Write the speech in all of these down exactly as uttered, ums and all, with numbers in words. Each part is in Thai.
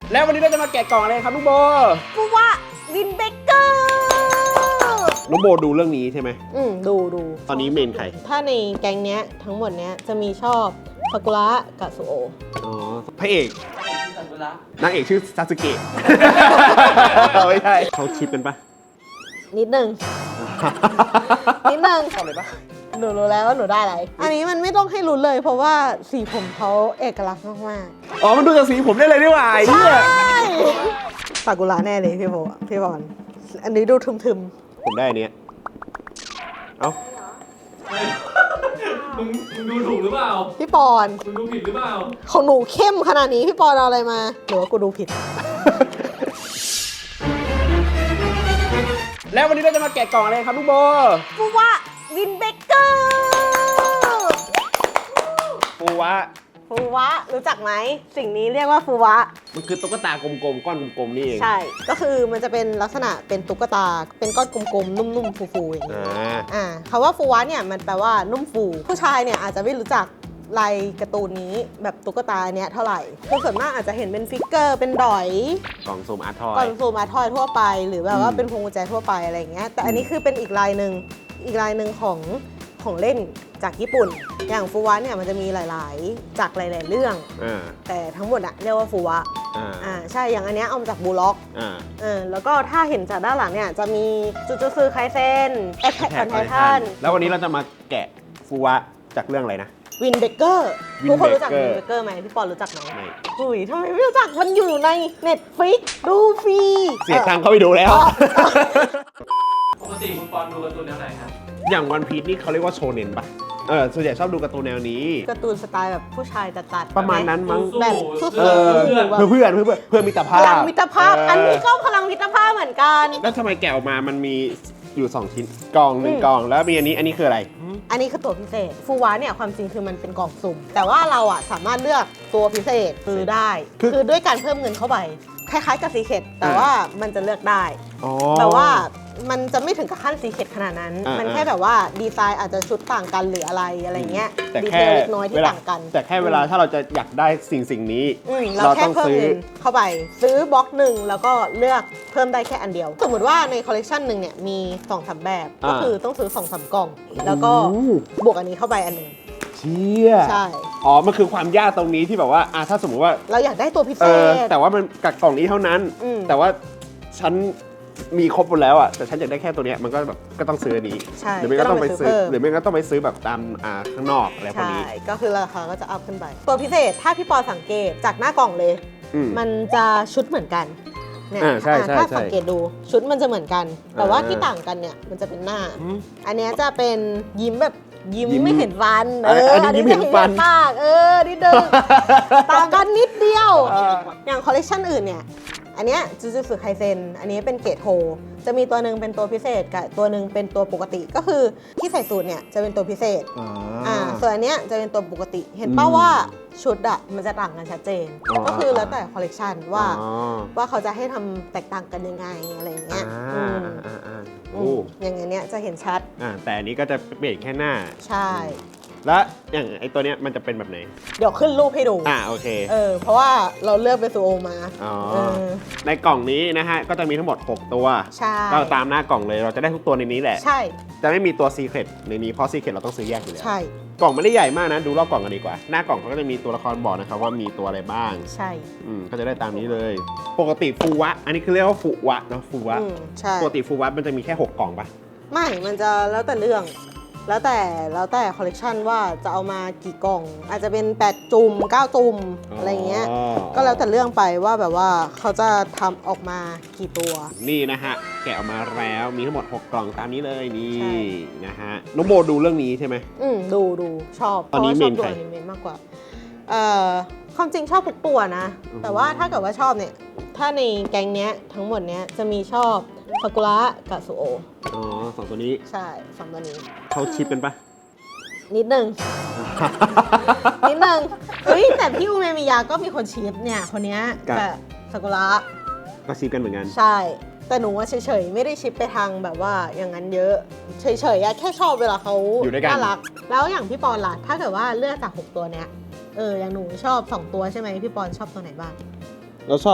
แล้ววันนี้เราจะมาแกะกล่องอะไรครับลูกโบฟูวะวินเบเกอร์ลูกโบดูเรื่องนี้ใช่ไหมอืมดูดูตอนนี้เมนใครถ้าในแก๊งเนี้ยทั้งหมดเนี้ยจะมีชอบซากุระกับสุโออ๋อพระเอกนางเอกชื่อซาสึเกะไม่ใช่เขาชิปกันปะนิดนึงนิดนึงชอบเลยปะหนูรู้แล้วว่าหนูได้อะไรอันนี้มันไม่ต้องให้รู้เลยเพราะว่าสีผมเขาเอกลักษณ์มากๆอ๋อมันดูจากสีผมได้เลยนี่หว่าใช่ซากุระแน่เลยพี่โบพี่บอลอันนี้ดูทึมๆผมได้อันนี้เอ้ามึงมึงดูถูกหรือเปล่าพี่ปอนมึงดูผิดหรือเปล่าของหนูเข้มขนาดนี้พี่ปอนเอาอะไรมาหรือว่ากูดูผิดแล้ววันนี้เราจะมาแกะกล่องอะไรครับลูกโบฟูวะวินเบเกอร์ฟูวะฟูวะรู้จักไหมสิ่งนี้เรียกว่าฟูวะมันคือตุ๊กตากลมๆก้อนกลมๆนี่เองใช่ก็คือมันจะเป็นลักษณะเป็นตุ๊กตาเป็นก้อนกลมๆนุ่มๆฟูๆอย่างนี้อ่าคำว่าฟูวะเนี่ยมันแปลว่านุ่มฟูผู้ชายเนี่ยอาจจะไม่รู้จักลายการ์ตูนนี้แบบตุ๊กตาเนี้ยเท่าไหร่คือส่วนมากอาจจะเห็นเป็นฟิกเกอร์เป็นดอยกล่องซูมอาร์ทอยกล่องซูมอาร์ทอยทั่วไปหรือแบบว่าเป็นพวงกุญแจทั่วไปอะไรอย่างเงี้ยแต่อันนี้คือเป็นอีกลายหนึ่งอีกลายหนึ่งของของเล่นจากญี่ปุ่นอย่างฟูวะเนี่ยมันจะมีหลายๆจากหลายๆเรื่องแต่ทั้งหมดอะเรียกว่าฟูวะอ่าใช่อย่างอันเนี้ยเอามาจากบูล็อกอ่าแล้วก็ถ้าเห็นจากด้านหลังเนี่ยจะมีจูจูซึไคเซ็นแอทแทคออนไททันแล้ววันนี้เราจะมาแกะฟูวะจากเรื่องอะไรนะวินเบเกอร์ทุกคนรู้จักวินเบเกอร์ไหมพี่ปอนรู้จักไหมอุ้ยทำไมไม่รู้จักมันอยู่ใน Netflix ดูฟรีเสียตังค์เข้าไปดูแล้วปกติคุณปอนดูการ์ตูนแนวไหนครับอย่างวันพีซนี่เขาเรียกว่าโชเน็นปะเออส่วนใหญ่ชอบดูการ์ตูนแนวนี้การ์ตูนสไตล์แบบผู้ชายตัดๆประมาณนั้นมั้งแบบเออเพื่อนเพื่อนเพื่อนเพื่อนมิตรภาพพลังมิตรภาพอันนี้ก็พลังมิตรภาพเหมือนกันแล้วทำไมแกะออกมามันมีอยู่สองชิ้นกล่องหนึ่งกล่องแล้วมีอันนี้อันนี้คืออะไรอันนี้คือตัวพิเศษฟูวะเนี่ยความจริงคือมันเป็นกล่องสุ่มแต่ว่าเราอ่ะสามารถเลือกตัวพิเศษซื้อได้คือด้วยการเพิ่มเงินเข้าไปคล้ายๆกับซีเคทแต่ว่ามันจะเลือกได้แต่ว่ามันจะไม่ถึงกับขั้นซีเคทขนาดนั้นมันแค่แบบว่าดีไซน์อาจจะชุดต่างกันหรืออะไรอะไรเงี้ยดีเทลเล็กน้อยที่ต่างกันแต่แค่เวลาถ้าเราจะอยากได้สิ่งสิ่งนี้เราแค่เพิ่มเงินเข้าไปซื้อบล็อกหนึ่งแล้วก็เลือกเพิ่มได้แค่อันเดียวสมมติว่าในคอลเลกชันหนึ่งเนี่ยมีสองสามแบบก็คือต้องซื้อสองสามกล่องแล้วก็บวกอันนี้เข้าไปอันหนึ่งเชี่ยใช่อ๋อมันคือความยากตรงนี้ที่แบบว่าอ่ะถ้าสมมติว่าเราอยากได้ตัวพิเศษแต่ว่ามันกักกล่องนี้เท่านั้นแต่ว่าฉันมีครบหมดแล้วอ่ะแต่ฉันอยากได้แค่ตัวเนี้ยมันก็แบบก็ต้องซื้ออันนี้หรือไม่ก็ต้องไปซื้อหรือไม่ก็ต้องไปซื้อแบบตามอ่าข้างนอกอะไรพวกนี้ใช่ก็คือราคาก็จะอัพขึ้นไปตัวพิเศษถ้าพี่ปอสังเกตจากหน้ากล่องเลยมันจะชุดเหมือนกันเนี่ยถ้าสังเกตดูชุดมันจะเหมือนกันแต่ว่าที่ต่างกันเนี่ยมันจะเป็นหน้าอันนี้จะเป็นยิ้มแบบยิ้มไม่เห็นฟันเอออันนี้ไม่เห็นฟันปากเออนิดเดียวต่างกันนิดเดียวอย่างคอลเลคชันอื่นเนี่ยอันเนี้ยจูจูสึไคเซ็นอันนี้เป็นเกรดโฮจะมีตัวหนึ่งเป็นตัวพิเศษกับตัวหนึ่งเป็นตัวปกติก็คือที่ใส่สูทเนี่ยจะเป็นตัวพิเศษอ่าส่วนอันเนี้ยจะเป็นตัวปกติเห็นป่าว่าชุดอะมันจะต่างกันชัดเจนก็คือแล้วแต่คอลเลคชันว่าว่าเขาจะให้ทำแตกต่างกันยังไงอะไรเงี้ยอย่างเงี้ยจะเห็นชัดแต่อันนี้ก็จะเปลี่ยนแค่หน้าใช่แล้วอย่างไอตัวเนี้ยมันจะเป็นแบบไหนเดี๋ยวขึ้นรูปให้ดูอ่าโอเคเออเพราะว่าเราเลือกเป็นซูโอมาอ๋อในกล่องนี้นะฮะก็จะมีทั้งหมดหกตัวใช่ก็ตามหน้ากล่องเลยเราจะได้ทุกตัวในนี้แหละใช่จะไม่มีตัวซีเคร็ตในนี้เพราะซีเคร็ตเราต้องซื้อแยกอยู่แล้วใช่กล่องไม่ได้ใหญ่มากนะดูรอบกล่องกันดีกว่าหน้ากล่องเขาก็จะมีตัวละครบอกนะครับว่ามีตัวอะไรบ้างใช่อืมก็จะได้ตามนี้เลยปกติฟูวะอันนี้คือเรียกว่าฟูวะเนาะฟูวะใช่ปกติฟูวะมันจะมีแค่หกกล่องปะไม่มันจะแล้วแต่เรื่องแล้วแต่แล้วแต่คอลเลกชันว่าจะเอามากี่กล่องอาจจะเป็นแปดจุ่มเก้าจุ่มอะไรเงี้ยก็แล้วแต่เรื่องไปว่าแบบว่าเขาจะทำออกมากี่ตัวนี่นะฮะแกะออกมาแล้วมีทั้งหมดหกกล่องตามนี้เลยนี่นะฮะน้องโบดูเรื่องนี้ใช่ไหมอืมดูดูชอบตอนนี้เมนใครเมนมากกว่าเอ่อความจริงชอบทุกตัวนะแต่ว่าถ้าเกิดว่าชอบเนี่ยถ้าในแก๊งเนี้ยทั้งหมดเนี้ยจะมีชอบซากุระกับสุโออ๋อสองตัวนี้ใช่สองตัวนี้เขาชิปกันปะนิดนึงนิดนึงเฮ้ยแต่พี่อูเมมิยาก็มีคนชิปเนี่ยคนนี้กับซากุระก็ชิปกันเหมือนกันใช่แต่หนูว่าเฉยๆไม่ได้ชิปไปทางแบบว่าอย่างนั้นเยอะเฉยๆแค่ชอบเวลาเขาน่ารักแล้วอย่างพี่ปอนล่ะถ้าเกิดว่าเลือกจากหกตัวเนี้ยเอออย่างหนูชอบสองตัวใช่ไหมพี่ปอนชอบตัวไหนบ้างเราชอบ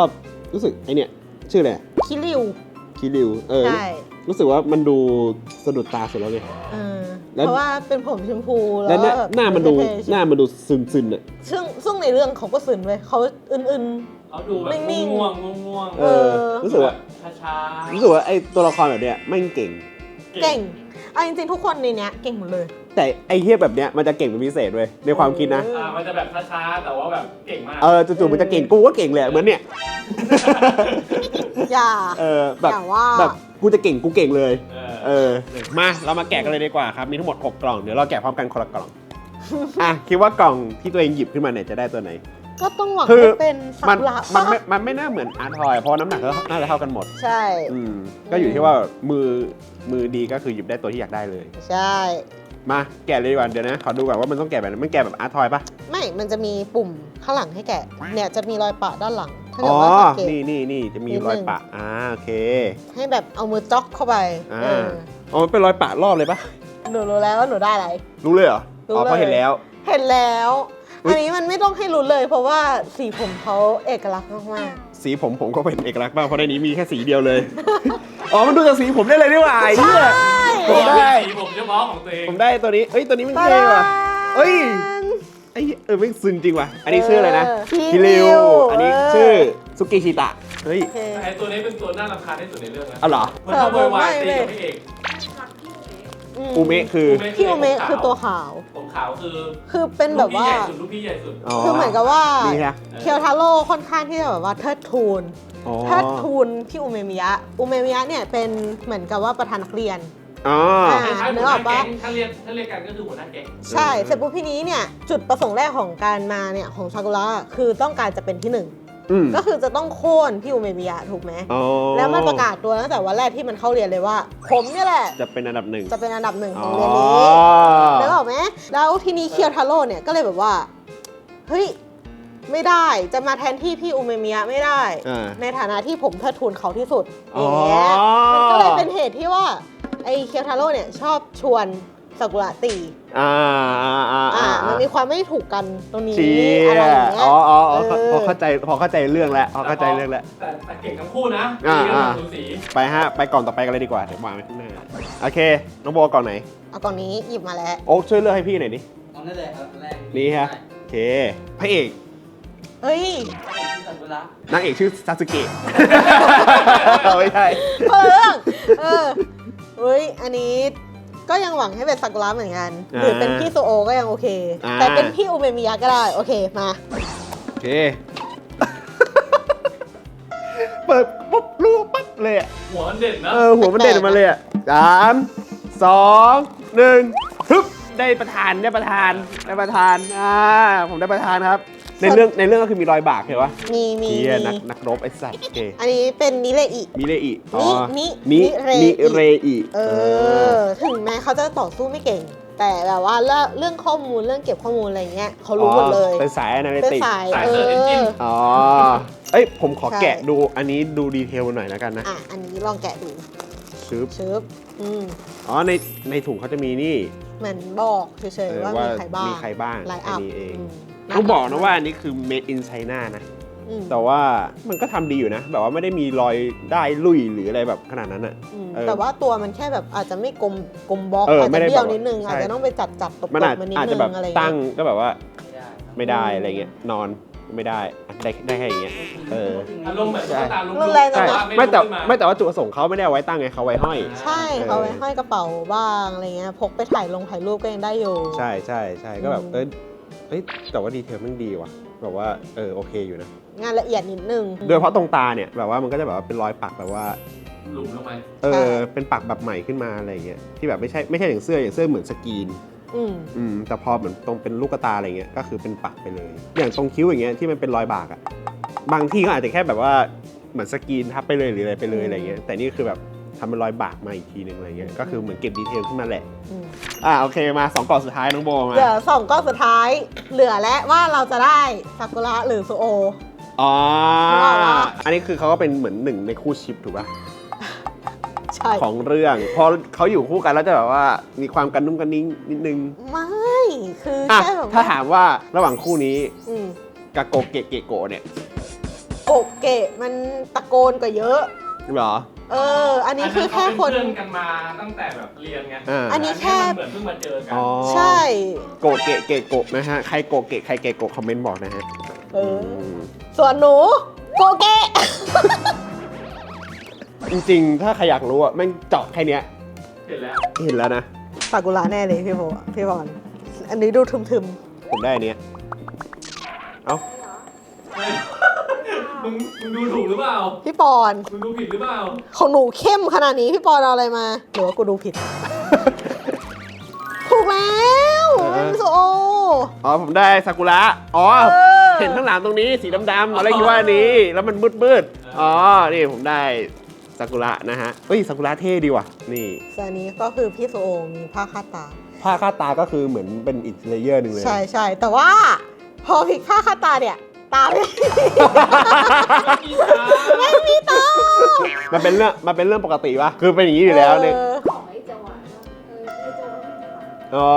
รู้สึกไอเนี่ยชื่ออะไรคิริวคิริวเออใช่รู้สึกว่ามันดูสะดุดตาสุดแล้วเลยเออแล้วเพราะว่าเป็นผมชมพูแล้แล้ว วหน้าแบบหน้ามันดูเท่ๆหน้ามันดูซึนๆอ่ะซึ่งซึ่งในเรื่องเขาก็ซึนเว้ยเขาอื่นเขาดูแบบนิ่งๆง่วงๆง่วงๆเออ รู้สึกว่าช้าๆรู้สึกว่าไอตัวละครแบบเนี้ยไม่งเก่งๆ เก่งเอาจริงๆทุกคนในเนี้ยเก่งหมดเลยแต่ไอเทียแบบเนี้ยมันจะเก่งเป็นพิเศษเว้ยในความคิดนะอ่ามันจะแบบช้าๆแต่ว่าแบบเก่งมากเออจู่ๆมันจะเก่งกูก็เก่งเลยเหมือนเนี่ยอย่าเออแบบอย่าว่าแบบกูจะเก่งกูเก่งเลยเออเออมาเรามาแกะกันเลยดีกว่าครับมีทั้งหมดหกกล่องเดี๋ยวเราแกะพร้อมกันคนละกล่อง อ่ะคิดว่ากล่องที่ตัวเองหยิบขึ้นมาเนี่ยจะได้ตัวไหนก็ต้องหวังคือให้เป็นสัมันกุระมันปะไม่มันไม่น่าเหมือนอาร์ทอยเพราะน้ำหนักก็น่าจะเท่ากันหมดใช่อืมก็อยู่ที่ว่ามือมือดีก็คือหยิบได้ตัวที่อยากได้เลยใช่มาแกะเลยดีกว่าเดี๋ยวนะขอดูก่อนว่ามันต้องแกะแบบไหนมันแกะแบบอาร์ทอยปะไม่มันจะมีปุ่มข้างหลังให้แกะเนี่ยจะมีรอยปะด้านหลังถ้าอ๋เกิอดว่าสังเกตนี่นี่นี่จะมีนิดนึงรอยปะอ่าโอเคให้แบบเอามือจ๊อกเข้าไปอ่าเอออ๋อมันเป็นรอยปะรอบเลยปะหนูรู้แล้วว่าหนูได้อะไรรู้เลยเหรอรู้อ๋อเพราะเลยเห็นแล้วเห็นแล้วอุ๊ยอันนี้มันไม่ต้องให้รู้เลย เพราะว่าสีผมเขาเอกลักษณ์มากสีผมผมก็เป็นเอกลักษณ์มากเพราะในนี้มีแค่สีเดียวเลย อ๋อมันดูจากสีผมได้เลยนี่หว่าไอ้ๆเหี้ย ผมได้สีผมเฉพาะของตัวเองผมได้ตัวนี้เอ้ยตัวนี้มันตาเท่ว่ะดาเอ้ย ไอ้เหี้ยเออไม่ซึนจริงว่ะอันนี้ชื่ออะไรนะเออคิริวคิริวอันนี้เออชื่อซุกิชิตะเฮ้ยโอเคไอตัวนี้เป็นตัวน่ารำคาญที่สุดในเรื่องนะเอาเหรอมันชอบโวยวายตีกับพี่เอกอูเมะคือพี่โอเมะคือตัวขาวผมขาวคือคือเป็นแบบว่าลูกพี่ใหญ่สุดอ๋อคือเหมือนกับว่านี่ฮะเคียวทาโร่ค่อนข้างที่จะแบบว่าเทิดทูนอ๋อเทิดทูนพี่อุเมมิยะอุเมมิยะเนี่ยเป็นเหมือนกับว่าประธานนักเรียนอ๋ออ่าใช่นึหักวหอน้าอกแก๊ปะงถ้าเรียกถ้าเรียกกันก็คือหัวหน้าแก๊งใช่เสร็จปุ๊บพี่นี้เนี่ยจุดประสงค์แรกของการมาเนี่ยของซากุระคือต้องการจะเป็นที่หนึ่งอืมก็คือจะต้องโค่นพี่อุเมมิยะถูกไหมอ๋อแล้วมันประกาศตัวตั้งแต่วันแรกที่มันเข้าเรียนเลยว่า ผมเนี่ยแหละจะเป็นอันดับหนึ่งจะเป็นอันดับหนึ่งขอ๋อองเรียนนี้นึกออกไหมแล้วทีนี้เคียวทาโร่เนี่ยก็เลยแบบว่าเฮ้ยไม่ได้จะมาแทนที่พี่อุเมมิยะไม่ได้อ่าในฐานะที่ผมเทิดทูนเขาที่สุดอ๋ออย่างเงี้ยมันก็เลยเป็นเหตุที่ว่าไอ้เคียวทาโร่เนี่ยชอบชวนซากุระตีอ่าอ่าอ่าอ่าอ่ามันมีความไม่ถูกกันตรงนี้เชี่ยอะไรอย่างเงี้ยอ๋ออ๋ออ๋อเออพอเข้าใจพอเข้าใจเรื่องแล้วพอเข้าใจเรื่องแล้วแต่แต่เก่งทั้งคู่นะอ่าตีกันอ่าแบบสูสีไปฮะ ไปก่อนต่อไปกันเลยดีกว่า เดี๋ยววางไว้ข้างหน้า โอเค น้องโบก่อนไหนเอากล่องนี้หยิบมาแล้วโอ๊คช่วยเลือกให้พี่หน่อยดิเอานั่นเลยครับอันแรกนี่ฮะ โอเค พระเอกเฮ้ยที่ซากุระนางเอกชื่อซาสึเกะ ไม่ใช่เพิ่งเออเฮ้ย อันนี้ก็ยังหวังให้เป็นซากุระเหมือนกัน หรือเป็นพี่โซโอก็ยังโอเคอ่าแต่เป็นพี่อุเมมิยะก็ได้ โอเค มาโอเค เปิดปุ๊บรู้ปั๊บเลยอะหัวมันเด่นนะเออ หัวมันเด่นออกมาเลยอ่ะสามสองหนึ่งฮึบได้ประธานได้ประธานได้ประธานอ่าผมได้ประธานครับ ในเรื่องในเรื่องก็คือมีรอยบากเห็นปะมีมีเฮียนักมีนักรบไอ้สัตว์โอเคอันนี้เป็นนิเลอิมิเรอินินินินิเรอิเรอิเออ ถึงแม้เขาจะต่อสู้ไม่เก่ง แต่แบบว่าเรื่องเรื่องข้อมูลเรื่องเก็บข้อมูลอะไรเงี้ยเขารู้หมดเลยเป็นสายอนาลิเป็นติกสายสายเอเสิร์ชเอนจินออ๋อ เอ้ย ผมขอใช่แกะดู อันนี้ดูดีเทลหน่อยแล้วกันนะอ่ะ อันนี้ลองแกะดูชึบชึบอืมอ๋อ ใน ในถุงเขาจะมีนี่เหมือนบอกเฉยเออๆว่าว่ามีใครบ้างมีใครบ้างไลน์อัอันพนี้เองมต้องบอกนะว่าอันนี้คือ made in China นะอืมแต่ว่ามันก็ทำดีอยู่นะ แบบว่าไม่ได้มีรอยได้ลุยหรืออะไรแบบขนาดนั้นอะอืมเออแต่ว่าตัวมันแค่แบบอาจจะไม่กลมกลมบล็อกเอออาจไม่จะได้เบี้ยวแบบนิดนึงใช่อาจจะต้องไปจัดจัดตบมันอาจๆมันนิดอาจนึจะงแบบอะไรเงี้ยตั้งก็แบบว่าไม่ได้ครับไม่ได้อะไรเงี้ย นอนไม่ได้อ่ะได้ได้แค่อย่างเงี้ย เอออารมณ์แบบตุ๊กตาลุกรุนแรงจัใช่งว่าไม่แต่ลุกขึ้นาไม่แต่ว่าจุดประสงค์เขาไม่ได้เอาไว้ตั้งไงเขาไว้ห้อยใช่เอาไว้ห้อยกระเป๋าบ้างอะไรเงี้ยพกไปถ่ายลงถ่ายรูปก็ยังได้อยู่ใช่ใช่ใช่ก็แบบอืมเอ้ยเอ้ยแต่ว่าดีเทลมันดีว่ะแบบว่าเออโอเคอยู่นะงานละเอียดนิดนึงโดยเฉพาะตรงตาเนี่ยแบบว่ามันก็จะแบบว่าเป็นรอยปักแบบว่าหลุมลงไปเอใช่อเป็นปักแบบใหม่ขึ้นมาอะไรเงี้ยที่แบบไม่ใช่ไม่ใช่อย่างเสื้ออย่างเสื้อเหมือนสกรีนอืมอืมแต่พอเหมือนตรงเป็นลูกตาอะไรเงี้ยก็คือเป็นปักไปเลย อย่างตรงคิ้วอย่างเงี้ยที่มันเป็นรอยบากอะบางที่ก็อาจจะแค่แบบว่าเหมือนสกรีนทับไปเลยหรืออะไรไปเลยอะไรเงี้ยแต่นี่คือแบบทำเป็นรอยบากมาอีกทีหนึ่งอะไรเงี้ยก็คือเหมือนเก็บดีเทลขึ้นมาแหละอืมอ่าโอเคมาสองกล่องสุดท้ายน้องโบมาเหลือสองก้อนสุดท้าย เหลือและว่าเราจะได้ซากุระหรือโซโออ๋อนึกออกปะอันนี้คือเขาก็เป็นเหมือนหนึ่งในคู่ชิปถูกป่ะใช่ของเรื่องพอเขาอยู่คู่กันแล้วจะแบบว่ามีความกันนุ่มกันนิ่งนิดนึงไม่คืออ่ะแค่แบบถ้าถามว่าระหว่างคู่นี้อืมกาโกเกะเกะโกะเนี่ยโกเกะมันตะโกนกว่าเยอะเหรอเออ อันนี้คือแค่คนเพื่อนกันมาตั้งแต่แบบเรียนไงอ่าอันนี้แค่เหมือนเพิ่งมาเจอกัอ๋อใช่โกเกะเกะโกะนะฮะ ใครโกเกะใครเกะโกะคอมเมนต์บอกนะฮะเออ ส่วนหนูโกเกะจริงๆ ถ้าใครอยากรู้อ่ะแม่งเจาะแค่เนี้ยเห็นแล้วเห็นแล้วนะซากุระแน่เลยพี่โบพี่บอลอันนี้ดูทึมผมได้อันเนี้ยเอ้าเฮ้ยมึงมึงดูถูกหรือเปล่าๆพี่ปอนมึงดูผิดหรือเปล่าของหนูเข้มขนาดนี้พี่ปอนเอาอะไรมาหรือว่ากูดูผิด ถูกแล้วเป็นโซโออ๋อผมได้ซากุระ อ๋อเออเห็นข้างหลังตรงนี้สีดำๆอะไรคิดว่าอันนี้ แล้วมันมืดๆ อ๋อ นี่ผมได้ซากุระนะฮะ เฮ้ยซากุระเท่ดีว่ะ นี่ส่วนนี้ก็คือพี่โซโอมีผ้าคาดตาผ้าคาดตาก็คือเหมือนเป็นอีกเลเยอร์หนึ่งเลยใช่ใช่แต่ว่า พอพลิกผ้าคาดตาเนี่ย ตาไม่ ไม่มีตามันเป็นเรื่องมันเป็นเรื่องปกติปะคือเป็นอย่างนี้อยู่แล้วเนี่ยเออของไอ้จังหวะนะเออไอ้จังหวะไม่จังหวะอ๋อ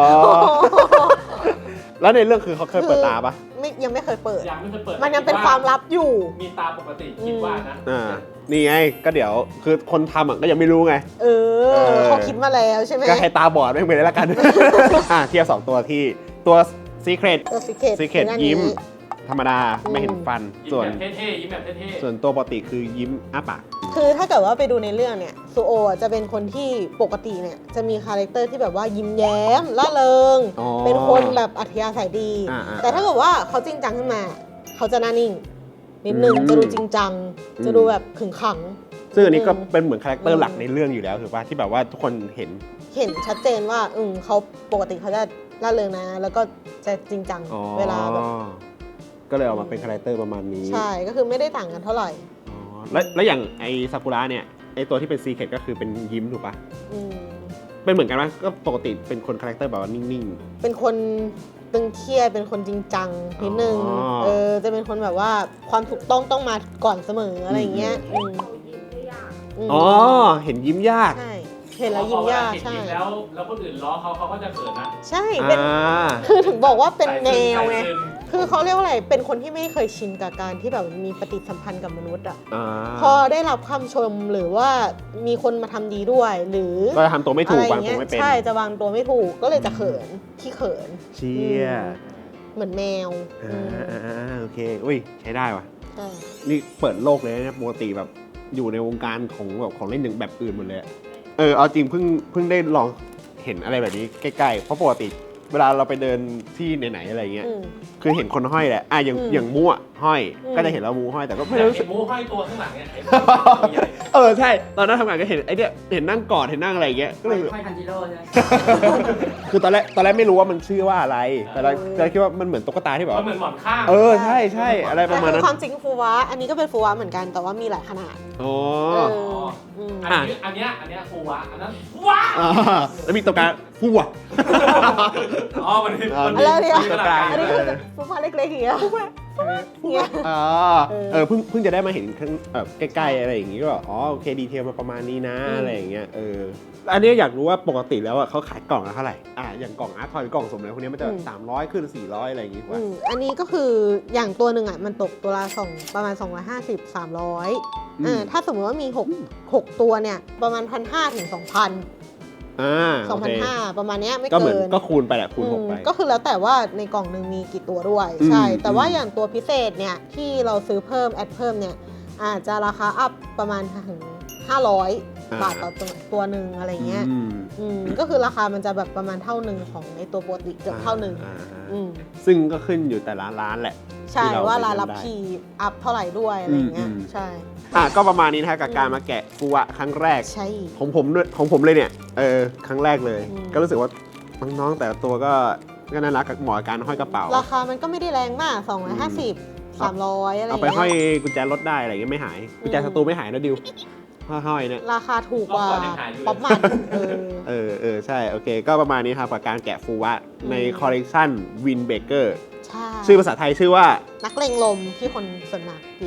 แล้วในเรื่องคือเขาเคยเปิดตาปะไม่ยังไม่เคยเปิดยังไม่เคยเปิดมันยังเป็นความลับอยู่มีตาปกติคิดว่านะอ่า นี่ไง ก็เดี๋ยว คือคนทำอ่ะก็ยังไม่รู้ไงเออเออเขาคิดมาแล้วใช่ไหมก็ให้ตาบอดไม่เป็นไรแล้วกัน อ่ะเทียบสองตัวที่ตัว Secret ตัวซิเคต Secret ยิ้ม ธรรมดาไม่เห็นฟันยิ้มส่วนแบบเท่ๆยิ้มแบบเท่ๆส่วนตัวปกติคือยิ้มอ้าปากคือถ้าเกิดว่าไปดูในเรื่องเนี่ยซูโออ่ะจะเป็นคนที่ปกติเนี่ยจะมีคาแรคเตอร์ที่แบบว่ายิ้มแย้มล่าเริงอ๋อเป็นคนแบบอัธยาศัยดีอ่าๆแต่ถ้าเกิดว่าเขาจริงจังขึ้นมา เขาจะหน่านิ่ง นิดนึงอืมจะดูจริงจังอืมจะดูแบบขึงขังซึ่งอันนี้ก็อืมเป็นเหมือนคาแรคเตออืร์มหลักในเรื่องอยู่แล้วถือว่าที่แบบว่าทุกคนเห็นเห็นชัดเจนว่าอืมเขาปกติเขาจะล่าเริงนะ แล้วก็จะจริงจังอ๋อเวลาแบบก็เลยออกมาเป็นคาแรคเตอร์ประมาณนี้ใช่ก็คือไม่ได้ต่างกันเท่าไหร่อ๋อแล้วแล้วอย่างไอซากุระเนี่ยไอตัวที่เป็นซีเคทก็คือเป็นยิ้มถูกปะอืมเป็นเหมือนกันไหมก็ปกติเป็นคนคาแรคเตอร์แบบว่านิ่งเป็นคนตึงเครียดเป็นคนจริงจังนิดนึงอ๋อเออจะเป็นคนแบบว่าความถูกต้องต้องมาก่อนเสมออะไรอย่างเงี้ยอืมเขายิ้มได้ยากมๆ อ๋อ เห็นยิ้มยากใช่เห็นแล้วยิ้มยากเห็นใช่ยิ้มแล้วแล้วคนอื่นล้อเขาเขาก็จะเขินนะใช่เป็นอ่าคือถึงบอกว่าเป็นแนวไงใส่ซึมคือเขาเรียกว่าอะไรเป็นคนที่ไม่เคยชินกับการที่แบบมีปฏิสัมพันธ์กับมนุษย์อ่ะอ่าพอได้รับคำชมหรือว่ามีคนมาทำดีด้วย หรือก็ทำตัวไม่ถูกอะไรวางเงี้ตัวย ไม่เป็นใช่จะวางตัวไม่ถูกก็เลยจะเขินขี้เขินเชี่ยเหมือนแมวอ่าอืมอ่าอ่าโอเค อุ้ย ใช้ได้ว่ะใช่นี่เปิดโลกเลยนะปกติแบบอยู่ในวงการของแบบของเล่นหนึ่งแบบอื่นหมดเลยอะเออเอาจริงเพิ่งเพิ่งได้ลองเห็นอะไรแบบนี้ใกล้ๆ เพราะปกติเวลาเราไปเดินที่ไหนๆอะไรเงี้ยอืมคือเห็นคนห้อยแหละอ่ะอย่างอืมอย่างมั่วห้อยอืมก็จะเห็นเรามูห้อยแต่ก็ไม่อยากรู้สึเห็กนมูห้อยตัวข้างหลังเนี่ยเออใช่ ตอนนั้นทำงานก็เห็นไอ้เนี่ยเห็นนั่งกอดเห็นนั่งอะไรอย่างเงี้ยก็เลยค่อยทันจิโร่ใช่ไหมคือตอนแรกตอนแรกไม่รู้ว่ามันชื่อว่าอะไร แต่เราแต่คิดว่ามันเหมือนตุ๊กตาที่แบบมันเหมือนหมอนข้างเออใช่ใช่อะไรประมาณแต่นั้นคือความจริงฟูวะอันนี้ก็เป็นฟูวะเหมือนกันแต่ว่ามีหลายขนาดอ๋อเอออืมอันนี้อันเนี้ยอันเนี้ยฟูวะอันนั้นว้าอ่าแล้วมีตัวกลางหัวอ๋อมันมีอ๋อมันอะไรเนี่ยมีขนาดกลางอันนี้คือฟูวะเล็กๆอย่างเงี้ยฟูวะอย่างเงี้ยอ๋อเออเออเพิ่งเพิ่งจะได้มาเห็นข้างแบบใกล้ๆอะไรอย่างงี้ก็แบบอ๋อโอเคดีเทลมาประมาณนี้นะอืมอะไรอย่างเงี้ยเอออันนี้อยากรู้ว่าปกติแล้วอ่ะเขาขายกล่องละเท่าไหร่อ่าอย่างกล่องอาร์ตทอยหรือกล่องสมอะไรพวกนี้มันจะสามร้อยขึ้นสี่ร้อยอะไรอย่างงี้กอืว่ามอันนี้ก็คืออย่างตัวหนึ่งอ่ะมันตกตัวละสองประมาณ สองร้อยห้าสิบ สามร้อยอืมเออถ้าสมมติว่ามีหก หกตัวเนี่ยประมาณ หนึ่งพันห้าร้อย ถึง สองพันอ่าสองโอพันเคห้าร้อย ประมาณเนี้ยไม่ก็เหมืเกิอนนก็คูณไปแหละคูณหกไปอืมก็คือแล้วแต่ว่าในกล่องหนึ่งมีกี่ตัวด้วยอืมใช่ แต่ว่าอืมอย่างตัวพิเศษเนี่ยที่เราซื้อเพิ่มแอดเพิ่มเนี่ยอาจจะราคาอัพประมาณถึงห้าร้อยบาทต่อตัวตัวหนึ่งอะไรเงี้ยอืมอืมก็คือราคามันจะแบบประมาณเท่าหนึ่งของในตัวปกติเกือบเท่าหนึ่งอ่าอืมซึ่งก็ขึ้นอยู่แต่ละร้านแหละใช่ที่เราว่าไปรายเลืรัอบ กได้พีอัพเท่าไหร่ด้วยอะไรเงี้ยอืมอืมใช่อ่ะก็ประมาณนี้นะฮะกับการมาแกะฟูวะครั้งแรกใช่ของผมด้วยของผมเลยเนี่ยเออครั้งแรกเลยอืมก็รู้สึกว่าน้องๆแต่ละตัวก็ก็น่ารักกับเหมาะกับการห้อยกระเป๋าราคามันก็ไม่ได้แรงมาก สองร้อยห้าสิบ สามร้อย อะไรเอาเงี้ไปห้อยยกุญแจรถได้อะไรเงี้ยไม่หายกุญแจสตูไม่หายนะดิวห้อยๆเนี่ยราคาถูกกว่ารอบก่อนยังขายอยู่เลยป๊อปมันเออเออเออใช่โอเค ก็ประมาณนี้ครับกับการแกะฟูวะอืมในคอลเลกชันวินเบเกอร์ใช่ชื่อภาษาไทยชื่อว่านักเลงลมที่คนส่วนมากเรียก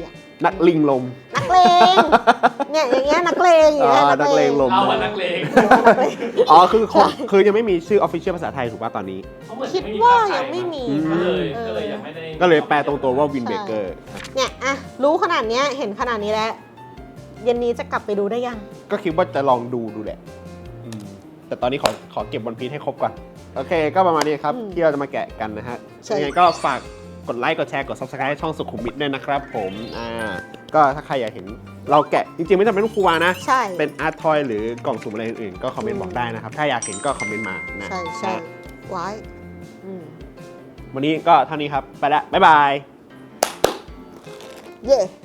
นักลิงลมนักเลงเนี่ยอย่างเงี้ยนักเลงอย่างเงี้ยอ๋อนักเลงลมเอาวันนักเลงอ๋อคือคนคือยังไม่มีชื่อ official ภาษาไทยถูกป่ะตอนนี้เขาเหมือนคิดไม่มีว่าภคไทยังไม่มีอืมก็เลยเออก็เลยยังไม่ได้ก็เลยแปลตรงตัวว่าวินเบเกอร์เนี่ยอะรู้ขนาดเนี้ยเห็นขนาดนี้แล้ว เย็นนี้จะกลับไปดูได้ยังก็คิดว่าจะลองดูดูแหละอืมแต่ตอนนี้ขอขอเก็บวันพีชให้ครบก่อน โอเค ก็ประมาณนี้ครับอืมที่เราจะมาแกะกันนะฮะใช่ยังไงก็ฝากกดไลค์ กดแชร์ กด ซับสไครบ์ ให้ช่องสุขุมวิทด้วยนะครับผม อ่า ก็ถ้าใครอยากเห็นเราแกะ จริงๆ ไม่จำเป็นต้องฟูวานะใช่เป็นอาร์ตทอยหรือกล่องสุ่มอะไรอื่นๆ ก็คอมเมนต์บอกได้นะครับ ถ้าอยากเห็นก็คอมเมนต์มานะใช่ใช่ไว้อืมวันนี้ก็เท่านี้ครับ ไปละ บ๊ายบายเย่